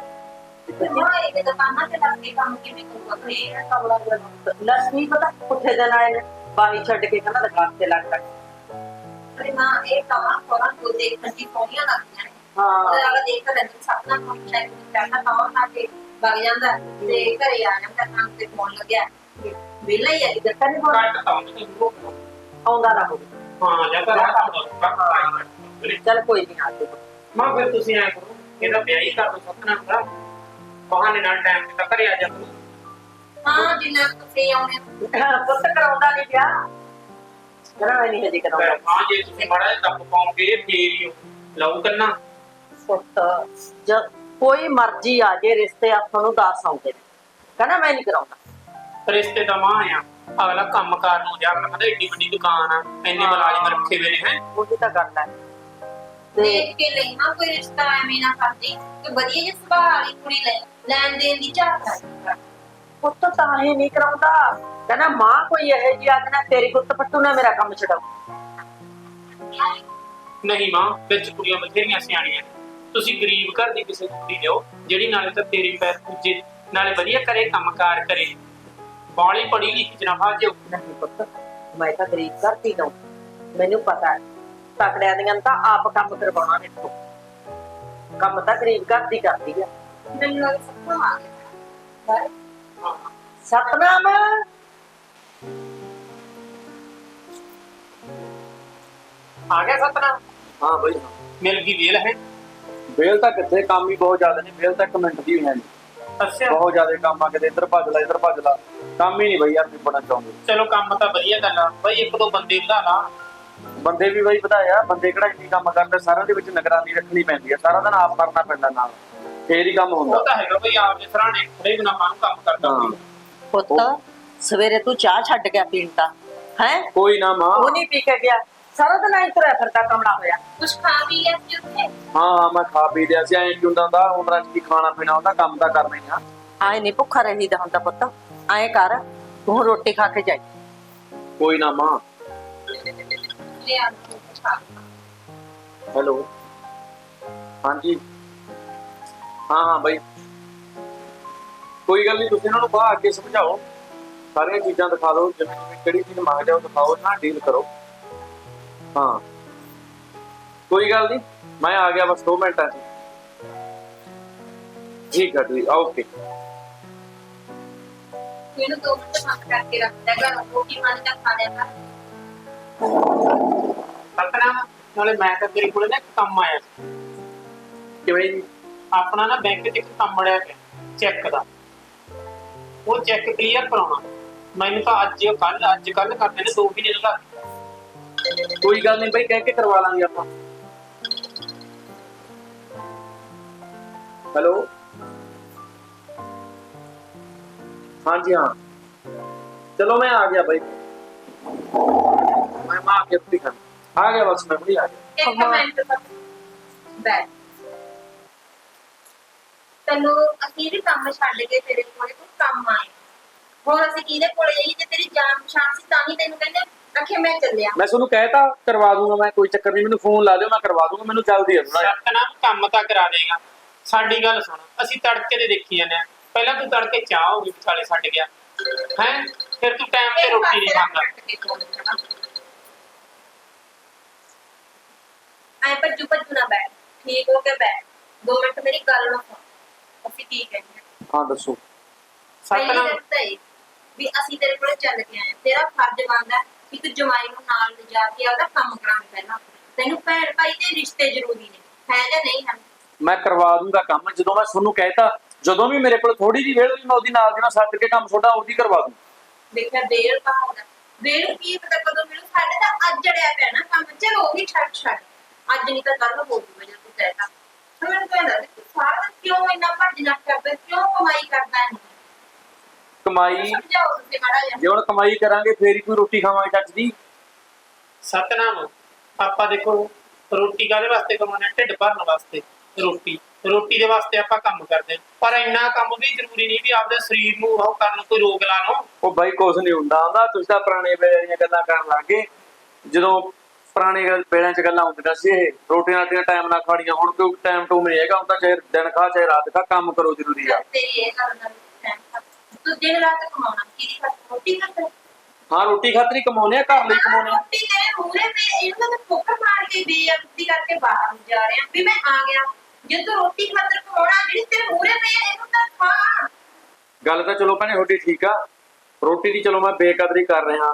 Speaker 3: ਹਾਂ, ਇਹ ਦੁਕਾਨਾਂ ਤੇ ਲੱਗ ਕੇ ਕੰਮ ਕਿਵੇਂ ਕਰੂਗਾ? ਫੇਰ
Speaker 2: ਕਮਲਾ ਲੱਸ ਨਹੀਂ ਪਤਾ ਪੁੱਠੇ ਦਿਨ ਆਏ ਨੇ, ਬਾਹੀ ਛੱਡ ਕੇ ਕਹਿੰਦਾ ਦੁਕਾਨ ਤੇ ਲੱਗ ਜਾ।
Speaker 3: ਅਰੇ ਨਾ, ਇਹ ਕਮਾਂ ਕੋਰਾਂ ਤੋਂ ਦੇਖਣ ਦੀ ਸੋਹਣੀਆਂ ਲੱਗਦੀਆਂ ਨੇ।
Speaker 2: ਹਾਂ
Speaker 3: ਉਹਦੇ ਨਾਲ ਦੇਖ ਲੈਂਦੇ ਸਪਨਾ ਕੋਈ ਸ਼ਾਇਦ ਕਰਨਾ ਪਾਉਣ ਆ ਕੇ ਵਗ ਜਾਂਦਾ ਤੇ ਘਰੇ ਆ ਜਾਂਦਾ ਕੰਮ ਤੇ ਫੋਨ ਲੱਗਿਆ। ਵਿਹਲਾ ਹੀ ਹੈ, ਕਿਤੇ ਨਹੀਂ ਹੋਣਾ।
Speaker 2: ਆਉਂਦਾ ਨਾ ਹੋਵੇ।
Speaker 4: ਹਾਂ ਜਾਂ ਘਰ ਆ
Speaker 2: ਚੱਲ ਕੋਈ ਨਹੀਂ ਆ ਜਾਊਗਾ।
Speaker 4: ਮਾਂ ਫਿਰ ਤੁਸੀਂ ਐ ਕਰੋ ਇਹਦਾ ਵਿਆਹ ਹੀ ਕਰ ਦੋ ਸਤਨਾਮ ਦਾ ਬਹਾਨੇ ਨਾਲ ਟਾਈਮ ਤੇ ਤਾਂ ਘਰੇ ਆ ਜਾ ਕਰੋ।
Speaker 3: ਹਾਂ ਜਿੰਨਾ ਤੁਸੀਂ ਆਉਣੇ
Speaker 2: ਪੁੱਤ ਕਰਾਉਂਦਾ ਨਹੀਂ ਵਿਆਹ, ਕਰਾਉਣਾ ਨਹੀਂ ਹਜੇ ਕਰਾਉਂਦਾ।
Speaker 4: ਹਾਂ ਜੇ ਤੁਸੀਂ ਮਾੜਾ ਜਿਹਾ ਦੱਬ ਪਾਉਂਗੇ ਫੇਰ ਹੀ ਲਊ ਕਰਨਾ।
Speaker 2: ਪੁੱਤ ਜਦ ਕੋਈ ਮਰਜ਼ੀ ਆ ਜੇ ਰਿਸ਼ਤੇ ਆਪਾਂ ਨੂੰ ਦੱਸ ਆਉਂਦੇ ਨੇ, ਕਹਿੰਦਾ ਮੈਂ ਨਹੀਂ ਕਰਾਉਂਦਾ।
Speaker 4: ਰਿਸ਼ਤੇ ਦਾ ਮਾਂ ਆ ਅਗਲਾ ਕੰਮ ਕਾਰ ਨੂੰ ਜਾ ਕਹਿੰਦਾ ਏਡੀ ਵੱਡੀ ਦੁਕਾਨ ਆ ਇੰਨੇ ਮੁਲਾਜ਼ਮ ਰੱਖੇ ਹੋਏ ਨੇ ਹੈ।
Speaker 2: ਉਹੀ ਤਾਂ ਗੱਲ ਹੈ। ਤੇ
Speaker 3: ਦੇਖ ਕੇ ਲਈ ਨਾ ਕੋਈ ਰਿਸ਼ਤਾ ਐਵੇਂ ਨਾ ਕਰਦੀ ਕਿ ਵਧੀਆ ਜਿਹੀ ਸੁਭਾਅ ਵਾਲੀ ਕੁੜੀ ਲੈ ਲੈਣ ਦੇਣ ਦੀ ਝਾਕ ਹੈ।
Speaker 2: ਪੁੱਤ ਤਾਂ ਹੀ ਨਹੀਂ ਕਰਾਉਂਦਾ, ਕਹਿੰਦਾ ਮਾਂ ਕੋਈ ਇਹੋ ਜਿਹੀ ਆਖਣਾ ਤੇਰੀ ਗੁੱਤ ਪੱਟੂ ਨਾ ਮੇਰਾ ਕੰਮ ਛਡਾਓ।
Speaker 4: ਨਹੀਂ ਮਾਂ ਵਿੱਚ ਕੁੜੀਆਂ ਬਥੇਰੀਆਂ ਸਿਆਣੀਆਂ ਨੇ ਤੁਸੀਂ ਗਰੀਬ ਘਰ ਦੀ ਕਿਸੇ ਕੁੜੀ ਲਿਓ ਜਿਹੜੀ ਨਾਲੇ ਤਾਂ ਤੇਰੇ ਪੈਰ ਪੂਜੇ ਨਾਲੇ ਵਧੀਆ ਕਰੇ ਕੰਮ ਕਾਰ ਕਰੇ ਬਾਲੀ ਪੜੀ ਲਿਖੀ ਜਨਾਬਾ ਜਿਓ।
Speaker 2: ਨਹੀਂ ਪੁੱਤ ਮੈਂ ਤਾਂ ਗਰੀਬ ਕਰਦੀ ਨਾ, ਮੈਨੂੰ ਪਤਾ ਹੈ ਤਕੜਿਆਂ ਦੀਆਂ ਤਾਂ ਆਪ ਕੰਮ ਕਰਵਾਉਣਾ ਦੇਖੋ, ਕੰਮ ਤਾਂ ਗਰੀਬ ਕਰਦੀ ਕਰਦੀ ਆ।
Speaker 3: ਮੈਨੂੰ ਲੱਗ ਸਭ ਆ ਗਿਆ
Speaker 2: ਸਤਨਾਮ
Speaker 4: ਆ ਗਿਆ ਸਤਨਾਮ
Speaker 1: ਹਾਂ ਬਈ
Speaker 4: ਮਿਲ ਗਈ ਵੇਲ ਹੈ।
Speaker 1: ਵੇਲ ਤਾਂ ਕਿੱਥੇ, ਕੰਮ ਹੀ ਬਹੁਤ ਜ਼ਿਆਦਾ ਨੇ, ਵੇਲ ਤਾਂ ਇੱਕ ਮਿੰਟ ਦੀ ਹੈ ਨਹੀਂ,
Speaker 4: ਅੱਛਾ
Speaker 1: ਬਹੁਤ ਜ਼ਿਆਦਾ ਕੰਮ ਆ, ਕਿਤੇ ਇੱਧਰ ਭੱਜ ਲਾ ਇੱਧਰ ਭੱਜ ਲਾ, ਕੰਮ ਹੀ ਨਹੀਂ ਬਈ ਯਾਰ ਨਿਬੜਨਾ ਚਾਹੁੰਦੇ।
Speaker 4: ਚਲੋ ਕੰਮ ਤਾਂ ਵਧੀਆ ਗੱਲ ਆ ਬਈ ਇੱਕ ਦੋ ਬੰਦੇ ਵਧਾ ਲਾ।
Speaker 1: ਬੰਦੇ ਵੀ ਬਈ ਵਧਾਇਆ, ਬੰਦੇ ਕਿਹੜਾ ਇੰਨੀ ਕੰਮ ਕਰਦੇ, ਸਾਰਿਆਂ ਦੇ ਵਿੱਚ ਨਿਗਰਾਨੀ ਰੱਖਣੀ ਪੈਂਦੀ ਹੈ, ਸਾਰਾ ਦਿਨ ਆਪ ਕਰਨਾ ਪੈਂਦਾ ਨਾਲ, ਫੇਰ ਹੀ ਕੰਮ ਹੁੰਦਾ।
Speaker 4: ਉਹ ਤਾਂ ਹੈਗਾ ਬਈ ਆਪ ਦੇ ਸਰਾਣੇ ਖੜੇ ਬਿਨਾ ਮਾਂ ਨੂੰ ਕੰਮ ਕਰਦਾ
Speaker 1: ਹਾਂ।
Speaker 4: ਕੋਈ।
Speaker 2: ਪੁੱਤ ਸਵੇਰੇ ਤੂੰ ਚਾਹ ਛੱਡ ਗਿਆ ਪੀਣ ਤਾਂ ਹੈ,
Speaker 1: ਕੋਈ ਨਾ ਮਾਂ।
Speaker 2: ਉਹ ਨਹੀਂ ਪੀ ਕੇ ਗਿਆ, ਸਾਰਾ ਦਿਨ ਐਂ ਤੁਰਿਆ ਫਿਰਦਾ ਕਮਲਾ ਹੋਇਆ।
Speaker 3: ਕੁਛ ਖਾ ਵੀ ਲਿਆ ਸੀ ਉੱਥੇ
Speaker 1: ਹਾਂ ਮੈਂ ਖਾ ਪੀ ਲਿਆ ਸੀ, ਐਂ ਕੀ ਹੁੰਦਾ ਹੁੰਦਾ, ਹੁਣ ਰਾਤ ਕੀ ਖਾਣਾ ਪੀਣਾ ਹੁੰਦਾ, ਕੰਮ ਤਾਂ ਕਰਨਾ ਹੀ ਆ।
Speaker 2: ਆਏ ਨਹੀਂ ਭੁੱਖਾ ਰਹੀਦਾ ਹੁੰਦਾ ਪੁੱਤ, ਐਂ ਕਰ ਤੂੰ ਰੋਟੀ ਖਾ ਕੇ ਜਾਈ।
Speaker 1: ਕੋਈ ਨਾ ਮਾਂ।
Speaker 3: ਲਿਆ ਕੁਛ ਖਾ
Speaker 1: ਹੈਲੋ ਹਾਂਜੀ ਹਾਂ ਹਾਂ ਬਈ ਕੋਈ ਗੱਲ ਨਹੀਂ, ਤੁਸੀਂ ਇਹਨਾਂ ਨੂੰ ਬਾਹਰ ਅੱਗੇ ਸਮਝਾਓ, ਸਾਰੀਆਂ ਚੀਜ਼ਾਂ ਦਿਖਾ ਦਿਓ, ਜਿਵੇਂ ਜਿਵੇਂ ਕਿਹੜੀ ਚੀਜ਼ ਮੰਗਦੇ ਹੋ ਦਿਖਾਓ, ਨਾ ਡੀਲ ਕਰੋ। ਹਾਂ ਕੋਈ ਗੱਲ ਨਹੀਂ, ਮੈਂ ਆ ਗਿਆ ਬਸ 2 ਮਿੰਟਾਂ 'ਚ। ਠੀਕ ਹੈ ਠੀਕ, ਓਕੇ।
Speaker 3: ਇਹਨੂੰ 2 ਮਿੰਟ ਬੰਦ ਕਰਕੇ ਰੱਖ ਦੇਗਾ, ਰੋਟੀ ਪਾਣੀ ਦਾ ਖਾ ਲਿਆ ਕਰ।
Speaker 4: ਸਤਨਾਮ ਨਾਲੇ ਮੈਂ ਤਾਂ ਤੇਰੇ ਕੋਲੇ ਨਾ ਇੱਕ ਕੰਮ ਆਇਆ ਸੀ।
Speaker 1: ਕਿਵੇਂ ਜੀ?
Speaker 4: ਆਪਣਾ ਨਾ ਬੈਂਕ 'ਚ ਇੱਕ ਕੰਮ ਅੜਿਆ ਪਿਆ ਚੈੱਕ ਦਾ, ਉਹ ਚੈੱਕ ਕਲੀਅਰ ਕਰਾਉਣਾ। ਮੈਨੂੰ ਤਾਂ ਅੱਜ ਕੱਲ ਕਰਦੇ ਨੇ 2 ਮਹੀਨੇ ਲਗਾ।
Speaker 1: ਕੋਈ ਗੱਲ ਨਹੀਂ ਬਈ, ਕਹਿ ਕੇ ਕਰਵਾ ਲਾਂਗੇ ਆਪਾਂ। ਹੈਲੋ ਹਾਂਜੀ ਹਾਂ ਚਲੋ ਮੈਂ ਆ ਗਿਆ ਬਾਈ, ਮੈਂ ਆ ਗਿਆ, ਤੁਸੀਂ ਆ ਗਿਆ ਬਸ, ਮੈਂ ਵੀ ਆ ਗਿਆ।
Speaker 3: ਇੱਕ ਮਿੰਟ ਬੈਠ, ਤੈਨੂੰ ਅਸੀਂ ਵੀ ਕੰਮ ਛੱਡ ਕੇ ਤੇਰੇ ਕੋਲੇ ਕੋਈ ਕੰਮ ਆਏ, ਹੋਰ ਅਸੀਂ ਕਿਹਦੇ ਕੋਲੇ ਜਾਈਏ? ਜੇ ਤੇਰੀ ਜਾਨ ਪਛਾਣ ਸੀ ਤਾਂ ਹੀ ਤੈਨੂੰ ਕਹਿੰਦੇ ਆਖੇ ਮੈਂ ਚੱਲਿਆ।
Speaker 1: ਮੈਂ ਤੁਹਾਨੂੰ ਕਹਿਤਾ ਕਰਵਾ ਦੂੰਗਾ ਮੈਂ, ਕੋਈ ਚੱਕਰ ਨਹੀਂ, ਮੈਨੂੰ ਫੋਨ ਲਾ ਦਿਓ, ਮੈਂ ਕਰਵਾ ਦੂੰਗਾ, ਮੈਨੂੰ ਜਲਦੀ ਆ ਥੋੜਾ।
Speaker 4: ਸਤਨਾਮ ਕੰਮ ਤਾਂ ਕਰਾ ਦੇਗਾ। ਸਾਡੀ ਗੱਲ ਸੁਣ, ਅਸੀਂ ਤੜਕੇ ਦੇ ਦੇਖੀ ਜਾਂਦੇ ਆ, ਪਹਿਲਾਂ ਤੂੰ ਤੜਕੇ ਚਾਹ ਹੋ ਗਈ ਵਿਚਾਲੇ ਛੱਡ ਗਿਆ ਹੈ, ਫਿਰ ਤੂੰ ਟਾਈਮ ਤੇ ਰੋਟੀ ਨਹੀਂ ਖਾਂਦਾ।
Speaker 3: ਐ ਭੱਜੂ ਨਾ ਬੈਠ, ਠੀਕ ਹੋ ਕੇ ਬੈਠ, 2 ਮਿੰਟ ਮੇਰੀ ਗੱਲ ਨੂੰ ਸੁਣ। ਅਸੀਂ ਕੀ ਕਹਿੰਦੇ
Speaker 1: ਹਾਂ ਦੱਸੋ।
Speaker 3: ਪਹਿਲੀ
Speaker 4: ਸਤਨਾਮ
Speaker 3: ਗੱਲ ਤਾਂ ਇਹ ਵੀ ਅਸੀਂ ਤੇਰੇ ਕੋਲ ਚੱਲ ਕੇ ਆਏ, ਤੇਰਾ ਫਰਜ਼ ਬਣਦਾ ਇੱਕ ਜਮਾਈ ਨੂੰ ਨਾਲ ਲਿਜਾ ਕੇ ਉਹਦਾ ਕੰਮ ਕਰਾਉਣਾ। ਪਹਿਲਾਂ ਤੈਨੂੰ ਭੈਣ ਭਾਈ ਦੇ ਰਿਸ਼ਤੇ ਜ਼ਰੂਰੀ ਨੇ, ਹੈ ਜਾਂ ਨਹੀਂ ਹਨ?
Speaker 1: ਮੈਂ ਕਰਵਾ ਦੂੰਗਾ ਕੰਮ, ਜਦੋਂ ਮੈਂ ਤੁਹਾਨੂੰ ਕਹਿਤਾ, ਜਦੋਂ ਵੀ ਮੇਰੇ ਕੋਲ ਥੋੜੀ ਜਿਹੀ ਵੇਲ ਹੋਈ ਮੈਂ ਉਹਦੀ ਨਾਲ ਦੀ ਨਾਲ ਛੱਡ ਕੇ ਕੰਮ ਛੋਟਾ ਉਹਦੀ ਕਰਵਾ ਦੂੰ।
Speaker 3: ਦੇਖਿਆ ਵੇਲ ਤਾਂ ਹੁੰਦਾ, ਵੇਲ ਕੀ ਪਤਾ ਕਦੋਂ ਮਿਲੂ, ਸਾਡੇ ਤਾਂ ਅੱਜ ਜੜਿਆ ਪਿਆ ਨਾ ਕੰਮ। ਚਲੋ ਉਹ ਵੀ ਛੱਡ ਅੱਜ ਨਹੀਂ ਤਾਂ ਕੱਲ ਹੋ ਜੂਗਾ ਜੇ ਤੂੰ ਕਹਿਤਾ। ਮੈਨੂੰ ਕਹਿੰਦਾ ਤੂੰ ਸਾਰਾ ਦਿਨ ਕਿਉਂ ਇੰਨਾ ਭੱਜ ਨੱਠ ਕਰਦਾ, ਕਿਉਂ ਕਮਾਈ ਕਰਦਾ ਹੈ?
Speaker 1: ਕਮਾਈ
Speaker 3: ਸਮਝਾਓ ਤੁਸੀਂ ਮਾੜਾ ਜਿਹਾ।
Speaker 1: ਜੇ ਹੁਣ ਕਮਾਈ ਕਰਾਂਗੇ ਫੇਰ ਹੀ ਕੋਈ ਰੋਟੀ ਖਾਵਾਂਗੇ ਚੱਜ ਦੀ।
Speaker 4: ਸਤਨਾਮ ਆਪਾਂ ਦੇਖੋ ਰੋਟੀ ਕਾਹਦੇ ਵਾਸਤੇ ਕਮਾਉਂਦੇ ਹਾਂ? ਢਿੱਡ ਭਰਨ ਵਾਸਤੇ। ਰੋਟੀ ਦੇ ਵਾਸਤੇ ਆਪਾਂ ਕੰਮ ਕਰਦੇ ਹਾਂ, ਪਰ ਇੰਨਾ ਕੰਮ ਵੀ ਜ਼ਰੂਰੀ ਨਹੀਂ ਵੀ ਆਪਦੇ ਸਰੀਰ ਨੂੰ ਉਹ ਕਰਨ ਕੋਈ ਰੋਗ ਲਾ ਲਓ।
Speaker 1: ਉਹ ਬਾਈ ਕੁਛ ਨਹੀਂ ਹੁੰਦਾ ਹੁੰਦਾ, ਤੁਸੀਂ ਤਾਂ ਪੁਰਾਣੇ ਵੇਲੇ ਦੀਆਂ ਗੱਲਾਂ ਕਰਨ ਲੱਗ ਗਏ। ਜਦੋਂ ਪੁਰਾਣੇ ਵੇਲਿਆਂ 'ਚ ਗੱਲਾਂ ਹੁੰਦੀਆਂ ਸੀ, ਇਹ ਰੋਟੀਆਂ ਰਾਟੀਆਂ ਟਾਈਮ ਨਾਲ ਖਾਣੀਆਂ, ਹੁਣ ਕੋਈ ਟਾਈਮ ਟੂਮ ਨਹੀਂ ਹੈਗਾ, ਹੁਣ ਤਾਂ ਚਾਹੇ ਦਿਨ ਖਾ ਚਾਹੇ ਰਾਤ ਖਾ, ਕੰਮ ਕਰੋ ਜ਼ਰੂਰੀ ਆ।
Speaker 3: ਤੇਰੀ ਇਹ ਗੱਲ ਨਾਲ ਸਹਿਮਤ। ਤੂੰ ਦਿਨ ਰਾਤ ਕਮਾਉਣਾ, ਕਿਹਦੀ ਖਾਤਰ? ਰੋਟੀ ਖਾਤਰ।
Speaker 1: ਹਾਂ ਰੋਟੀ ਖਾਤਰ ਹੀ ਕਮਾਉਣੇ ਆ, ਘਰ ਲਈ ਕਮਾਉਣੇ ਆ।
Speaker 3: ਰੋਟੀ ਤੇਰੇ ਮੂਹਰੇ ਪਈ, ਇਹਨੂੰ ਤਾਂ ਠੋਕਰ ਮਾਰ ਕੇ ਬੇਇੱਜ਼ਤੀ ਕਰਕੇ ਬਾਹਰ ਨੂੰ ਜਾ ਰਿਹਾ ਵੀ ਮੈਂ ਆ ਗਿਆ। ਜੇ ਤੂੰ ਰੋਟੀ ਖਾਤਰ ਕਮਾਉਣਾ, ਜਿਹੜੀ ਤੇਰੇ ਮੂਹਰੇ ਪਈ ਹੈ ਇਹਨੂੰ ਤਾਂ ਖਾ।
Speaker 1: ਗੱਲ ਤਾਂ ਚਲੋ ਭੈਣੇ ਤੁਹਾਡੀ ਠੀਕ ਆ, ਰੋਟੀ ਦੀ ਚਲੋ ਮੈਂ ਬੇਕਦਰੀ ਕਰ ਰਿਹਾ,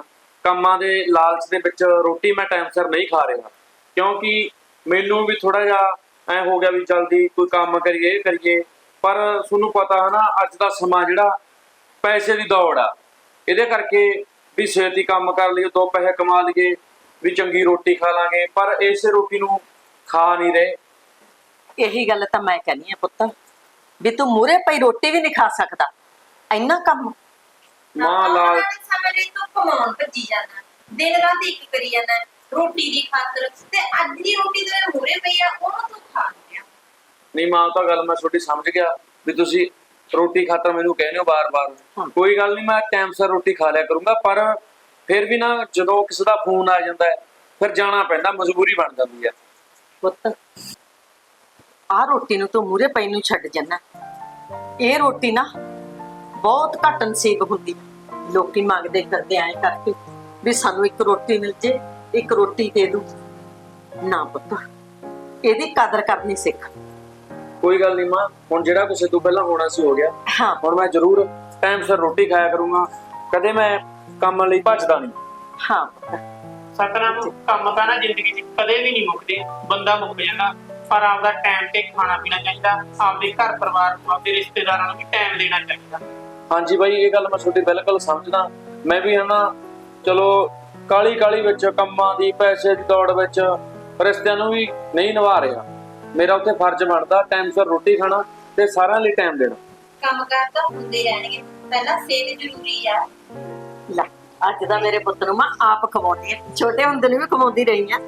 Speaker 1: ਕੰਮਾਂ ਦੇ ਲਾਲਚ ਦੇ ਵਿੱਚ ਰੋਟੀ ਮੈਂ ਟਾਈਮ ਸਿਰ ਨਹੀਂ ਖਾ ਰਿਹਾ, ਕਿਉਂਕਿ ਮੈਨੂੰ ਵੀ ਥੋੜਾ ਜਿਹਾ ਐ ਹੋ ਗਿਆ ਵੀ ਜਲਦੀ ਕੋਈ ਕੰਮ ਕਰੀਏ ਇਹ ਕਰੀਏ। ਪਰ ਤੁਹਾਨੂੰ ਪਤਾ ਹੈ ਨਾ, ਅੱਜ ਦਾ ਸਮਾਂ ਜਿਹੜਾ ਪੈਸੇ ਦੀ ਦੌੜ ਆ, ਇਹਦੇ ਕਰਕੇ ਵੀ ਛੇਤੀ ਕੰਮ ਕਰ ਲਈਏ, 2 ਪੈਸੇ ਕਮਾ ਲਈਏ, ਵੀ ਚੰਗੀ ਰੋਟੀ ਖਾ ਲਾਂਗੇ, ਪਰ ਇਸੇ ਰੋਟੀ ਨੂੰ ਖਾ ਨਹੀਂ ਰਹੇ।
Speaker 2: ਇਹੀ ਗੱਲ ਤਾਂ ਮੈਂ ਕਹਿੰਦੀ ਆ ਪੁੱਤ, ਵੀ ਤੂੰ ਮੂਰੇ ਪਈ ਰੋਟੀ ਵੀ ਨਹੀਂ ਖਾ ਸਕਦਾ, ਇੰਨਾ ਕੰਮ।
Speaker 1: ਮਾਂ ਲਾਲ
Speaker 3: ਸਮੇਂ ਲਈ ਤੂੰ ਕਮਾਉਣ ਭੱਜੀ ਜਾਂਦਾ, ਦਿਨ ਰਾਤ ਇੱਕ ਕਰੀ ਜਾਂਦਾ ਰੋਟੀ ਦੀ ਖਾਤਰ, ਤੇ ਅੱਜ ਦੀ ਰੋਟੀ ਤੇਰੇ ਮੂਹਰੇ ਪਈ ਆ ਉਹਨੂੰ ਤੂੰ ਖਾ ਲਿਆ।
Speaker 1: ਨਹੀਂ ਮਾਂ, ਉਹ ਤਾਂ ਗੱਲ ਮੈਂ ਤੁਹਾਡੀ ਸਮਝ ਗਿਆ ਵੀ ਤੁਸੀਂ ਰੋਟੀ ਖਾਤਰ ਮੈਨੂੰ ਕਹਿੰਦੇ ਹੋ ਬਾਰ-ਬਾਰ। ਕੋਈ ਗੱਲ ਨਹੀਂ, ਮੈਂ ਟਾਈਮ ਸਿਰ ਰੋਟੀ ਖਾ ਲਿਆ ਕਰੂੰਗਾ, ਪਰ ਫਿਰ ਵੀ ਨਾ ਜਦੋਂ ਕਿਸੇ ਦਾ ਫੋਨ ਆ ਜਾਂਦਾ ਹੈ ਫਿਰ ਜਾਣਾ ਪੈਂਦਾ, ਮਜਬੂਰੀ ਬਣ ਜਾਂਦੀ ਹੈ।
Speaker 2: ਪੁੱਤ ਆਹ ਰੋਟੀ ਨੂੰ ਤੂੰ ਮੂਰੇ ਪਈ ਨੂੰ ਛੱਡ ਜਾਣਾ। ਇਹ ਰੋਟੀ ਨਾ ਬਹੁਤ ਘੱਟ ਨਸੀਬ ਹੁੰਦੀ, ਲੋਕੀ ਮੰਗਦੇ ਕਰਦੇ ਐਂ ਕਰਕੇ ਵੀ ਸਾਨੂੰ ਇੱਕ ਰੋਟੀ ਮਿਲ ਜੇ, ਇੱਕ ਰੋਟੀ ਦੇ ਦੂ। ਨਾ ਪੁੱਤ, ਇਹਦੀ ਕਦਰ ਕਰਨੀ ਸਿੱਖ।
Speaker 1: ਕੋਈ ਗੱਲ ਨਹੀਂ ਮਾਂ, ਹੁਣ ਜਿਹੜਾ ਕੁਛ ਤੋਂ ਪਹਿਲਾਂ ਹੋਣਾ ਸੀ ਹੋ ਗਿਆ।
Speaker 2: ਹਾਂ
Speaker 1: ਹੁਣ ਮੈਂ ਜ਼ਰੂਰ ਟਾਈਮ ਸਿਰ ਰੋਟੀ ਖਾਇਆ ਕਰੂੰਗਾ, ਕਦੇ ਮੈਂ ਕੰਮ ਲਈ ਭੱਜਦਾ ਨਹੀਂ।
Speaker 2: ਹਾਂ ਪੁੱਤ,
Speaker 4: ਸਤਨਾਮ, ਕੰਮ ਤਾਂ ਨਾ ਜ਼ਿੰਦਗੀ 'ਚ ਕਦੇ ਵੀ ਨਹੀਂ ਮੁੱਕਦੇ, ਬੰਦਾ ਮੁੱਕ ਜਾਂਦਾ, ਪਰ ਆਪਦਾ ਟਾਈਮ ਤੇ ਖਾਣਾ ਪੀਣਾ ਚਾਹੀਦਾ, ਆਪਦੇ ਘਰ ਪਰਿਵਾਰ ਨੂੰ, ਆਪਦੇ ਰਿਸ਼ਤੇਦਾਰਾਂ ਨੂੰ ਵੀ ਟਾਈਮ ਦੇਣਾ ਚਾਹੀਦਾ।
Speaker 1: ਹਾਂਜੀ ਬਾਈ, ਇਹ ਗੱਲ ਮੈਂ ਤੁਹਾਡੀ ਬਿਲਕੁਲ ਸਮਝਦਾ। ਮੈਂ ਵੀ ਹਨਾ, ਚਲੋ ਕਾਲੀ ਵਿੱਚ ਕੰਮਾਂ ਦੀ, ਪੈਸੇ ਦੀ ਦੌੜ ਵਿੱਚ ਰਿਸ਼ਤਿਆਂ ਨੂੰ ਵੀ ਨਹੀਂ ਨਿਭਾ ਰਿਹਾ। ਮੇਰਾ ਉੱਥੇ ਫਰਜ਼ ਬਣਦਾ ਟਾਈਮ ਸਿਰ ਰੋਟੀ ਖਾਣਾ ਤੇ ਸਾਰਿਆਂ ਲਈ ਟਾਈਮ ਦੇਣਾ।
Speaker 3: ਕੰਮ ਕਾਰ ਤਾਂ ਹੁੰਦੇ ਰਹਿਣਗੇ, ਪਹਿਲਾਂ ਸਿਹਤ ਜ਼ਰੂਰੀ ਆ।
Speaker 2: ਲੈ ਅੱਜ ਦਾ ਮੇਰੇ ਪੁੱਤ ਨੂੰ ਮੈਂ ਆਪ ਖਵਾਉਂਦੀ ਆ, ਛੋਟੇ ਹੁੰਦੇ ਨੂੰ ਵੀ ਖਵਾਉਂਦੀ ਰਹੀ ਆ।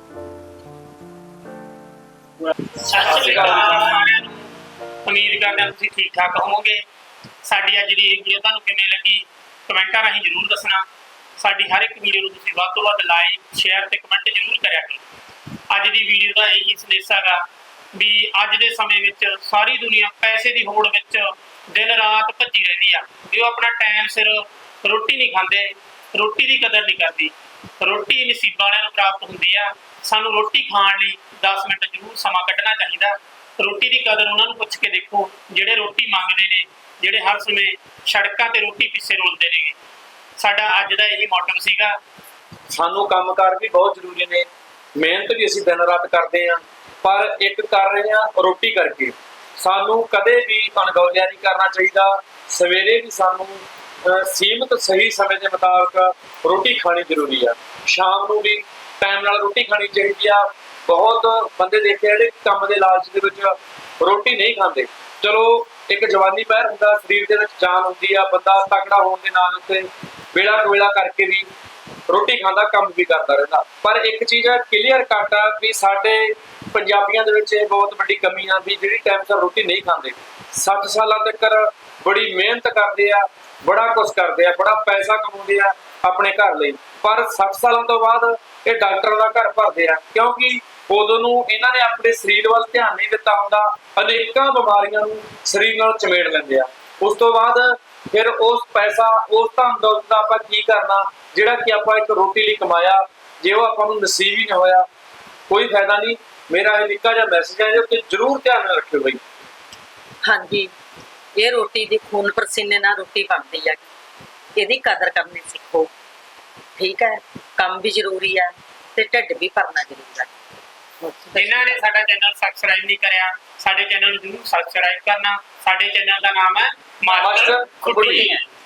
Speaker 4: ਸਤਿ ਸ਼੍ਰੀ ਅਕਾਲ ਸਾਰਿਆਂ ਨੂੰ, ਉਮੀਦ ਕਰਦੇ ਹਾਂ ਤੁਸੀਂ ਠੀਕ ਠਾਕ ਹੋਵੋਗੇ। ਸਾਡੀ ਅੱਜ ਦੀ ਇਹ ਵੀਡੀਓ ਤੁਹਾਨੂੰ ਕਿਵੇਂ ਲੱਗੀ ਕਮੈਂਟਾਂ ਰਾਹੀਂ ਜ਼ਰੂਰ ਦੱਸਣਾ। ਸਾਡੀ ਹਰ ਇੱਕ ਵੀਡੀਓ ਨੂੰ ਤੁਸੀਂ ਵੱਧ ਤੋਂ ਵੱਧ ਲਾਈਕ, ਸ਼ੇਅਰ ਤੇ ਕਮੈਂਟ ਜ਼ਰੂਰ ਕਰਿਆ ਕਰੋ। ਅੱਜ ਦੀ ਵੀਡੀਓ ਦਾ ਇਹੀ ਸੰਦੇਸ਼ ਹੈਗਾ ਵੀ ਅੱਜ ਦੇ ਸਮੇਂ ਵਿੱਚ ਸਾਰੀ ਦੁਨੀਆ ਪੈਸੇ ਦੀ ਹੋੜ ਵਿੱਚ ਦਿਨ ਰਾਤ ਭੱਜੀ ਰਹਿੰਦੀ ਆ, ਵੀ ਉਹ ਆਪਣਾ ਟਾਈਮ ਸਿਰ ਰੋਟੀ ਨਹੀਂ ਖਾਂਦੇ, ਰੋਟੀ ਦੀ ਕਦਰ ਨਹੀਂ ਕਰਦੀ। ਰੋਟੀ ਨਸੀਬਾਂ ਵਾਲਿਆਂ ਨੂੰ ਪ੍ਰਾਪਤ ਹੁੰਦੀ ਆ, ਸਾਨੂੰ ਰੋਟੀ ਖਾਣ ਲਈ 10 ਮਿੰਟ ਜ਼ਰੂਰ ਸਮਾਂ ਕੱਢਣਾ ਚਾਹੀਦਾ। ਰੋਟੀ ਦੀ ਕਦਰ ਉਹਨਾਂ ਨੂੰ ਪੁੱਛ ਕੇ ਦੇਖੋ ਜਿਹੜੇ ਰੋਟੀ ਮੰਗਦੇ ਨੇ, ਜਿਹੜੇ ਹਰ ਸਮੇਂ ਸੜਕਾਂ ਤੇ ਰੋਟੀ ਪਿੱਛੇ ਰੋਲਦੇ ਨੇ। ਸਾਡਾ ਅੱਜ ਦਾ ਇਹੀ ਮੋਟਿਵ ਸੀਗਾ।
Speaker 1: ਸਾਨੂੰ ਕੰਮਕਾਰ ਵੀ ਬਹੁਤ ਜ਼ਰੂਰੀ ਨੇ, ਮਿਹਨਤ ਵੀ ਅਸੀਂ ਦਿਨ ਰਾਤ ਕਰਦੇ ਹਾਂ, ਪਰ ਇੱਕ ਕਰ ਰਹੇ ਹਾਂ ਰੋਟੀ ਕਰਕੇ। ਸਾਨੂੰ ਕਦੇ ਵੀ ਅਣਗੌਲਿਆ ਨਹੀਂ ਕਰਨਾ ਚਾਹੀਦਾ। ਸਵੇਰੇ ਵੀ ਸਾਨੂੰ ਸੀਮਤ ਸਹੀ ਸਮੇਂ ਦੇ ਮੁਤਾਬਕ ਰੋਟੀ ਖਾਣੀ ਜ਼ਰੂਰੀ ਆ, ਸ਼ਾਮ ਨੂੰ ਵੀ ਟਾਈਮ ਨਾਲ ਰੋਟੀ ਖਾਣੀ ਚਾਹੀਦੀ ਆ। ਬਹੁਤ ਬੰਦੇ ਦੇਖੇ ਜਿਹੜੇ ਕੰਮ ਦੇ ਲਾਲਚ ਦੇ ਵਿੱਚ ਰੋਟੀ ਨਹੀਂ ਖਾਂਦੇ। ਚਲੋ ਇੱਕ ਜਵਾਨੀ ਪਹਿਰ ਹੁੰਦਾ, ਸਰੀਰ ਦੇ ਵਿੱਚ ਜਾਨ ਹੁੰਦੀ ਆ, ਬੰਦਾ ਤਕੜਾ ਹੋਣ ਦੇ ਨਾਲ ਉੱਤੇ ਵੇਲਾ ਕੁਵੇਲਾ ਕਰਕੇ ਵੀ ਰੋਟੀ ਖਾਂਦਾ, ਕੰਮ ਵੀ ਕਰਦਾ ਰਹਿੰਦਾ। ਪਰ ਇੱਕ ਚੀਜ਼ ਹੈ ਕਲੀਅਰ ਕੱਟ ਆ ਵੀ ਸਾਡੇ ਪੰਜਾਬੀਆਂ ਦੇ ਵਿੱਚ ਇਹ ਬਹੁਤ ਵੱਡੀ ਕਮੀ ਆ ਵੀ ਜਿਹੜੀ ਟਾਈਮ ਸਿਰ ਰੋਟੀ ਨਹੀਂ ਖਾਂਦੇ। 60 ਸਾਲਾਂ ਤੱਕ ਬੜੀ ਮਿਹਨਤ ਕਰਦੇ ਆ, ਬੜਾ ਕੁਛ ਕਰਦੇ ਆ, ਬੜਾ ਪੈਸਾ ਕਮਾਉਂਦੇ ਆ ਆਪਣੇ ਘਰ ਲਈ, ਪਰ 60 ਸਾਲਾਂ ਤੋਂ ਬਾਅਦ ਇਹ ਡਾਕਟਰਾਂ ਦਾ ਘਰ ਭਰਦੇ ਆ, ਕਿਉਂਕਿ ਉਦੋਂ ਨੂੰ ਇਹਨਾਂ ਨੇ ਆਪਣੇ ਸਰੀਰ ਵੱਲ ਧਿਆਨ ਨਹੀਂ ਦਿੱਤਾ ਹੁੰਦਾ, ਅਨੇਕਾਂ ਬਿਮਾਰੀਆਂ ਨੂੰ ਸਰੀਰ ਨਾਲ ਚਮੇੜ ਲੈਂਦੇ ਆ। ਉਸ ਤੋਂ ਬਾਅਦ ਫਿਰ ਉਸ ਪੈਸਾ, ਉਸ ਧਨ ਦੌਲਤ ਦਾ ਆਪਾਂ ਕੀ ਕਰਨਾ ਜਿਹੜਾ ਕਿ ਆਪਾਂ ਇੱਕ ਰੋਟੀ ਲਈ ਕਮਾਇਆ, ਜੇ ਉਹ ਆਪਾਂ ਨੂੰ ਨਸੀਬ ਹੀ ਨਾ ਹੋਇਆ, ਕੋਈ ਫਾਇਦਾ ਨਹੀਂ। ਮੇਰਾ ਇਹ ਨਿੱਕਾ ਜਿਹਾ ਮੈਸੇਜ ਹੈ ਜੋ ਕਿ ਜ਼ਰੂਰ ਧਿਆਨ ਨਾਲ ਰੱਖਿਓ ਬਈ।
Speaker 2: ਹਾਂਜੀ, ਇਹ ਰੋਟੀ ਦੀ ਖੂਨ ਪਸੀਨੇ ਨਾਲ ਰੋਟੀ ਬਣਦੀ ਹੈ, ਇਹਦੀ ਕਦਰ ਕਰਨੀ ਸਿੱਖੋ। ਠੀਕ ਹੈ, ਕੰਮ ਵੀ ਜ਼ਰੂਰੀ ਹੈ ਤੇ ਢਿੱਡ ਵੀ ਭਰਨਾ ਜ਼ਰੂਰੀ ਹੈ।
Speaker 4: ਜਿਨ੍ਹਾਂ ਨੇ ਸਾਡਾ ਚੈਨਲ ਸਬਸਕ੍ਰਾਈਬ ਨਹੀਂ ਕਰਿਆ, ਸਾਡੇ ਚੈਨਲ ਨੂੰ ਜ਼ਰੂਰ ਸਬਸਕ੍ਰਾਈਬ ਕਰਨਾ। ਸਾਡੇ ਚੈਨਲ ਦਾ ਨਾਮ ਹੈ ਮਾਸਟਰ ਖੁੱਡੀ।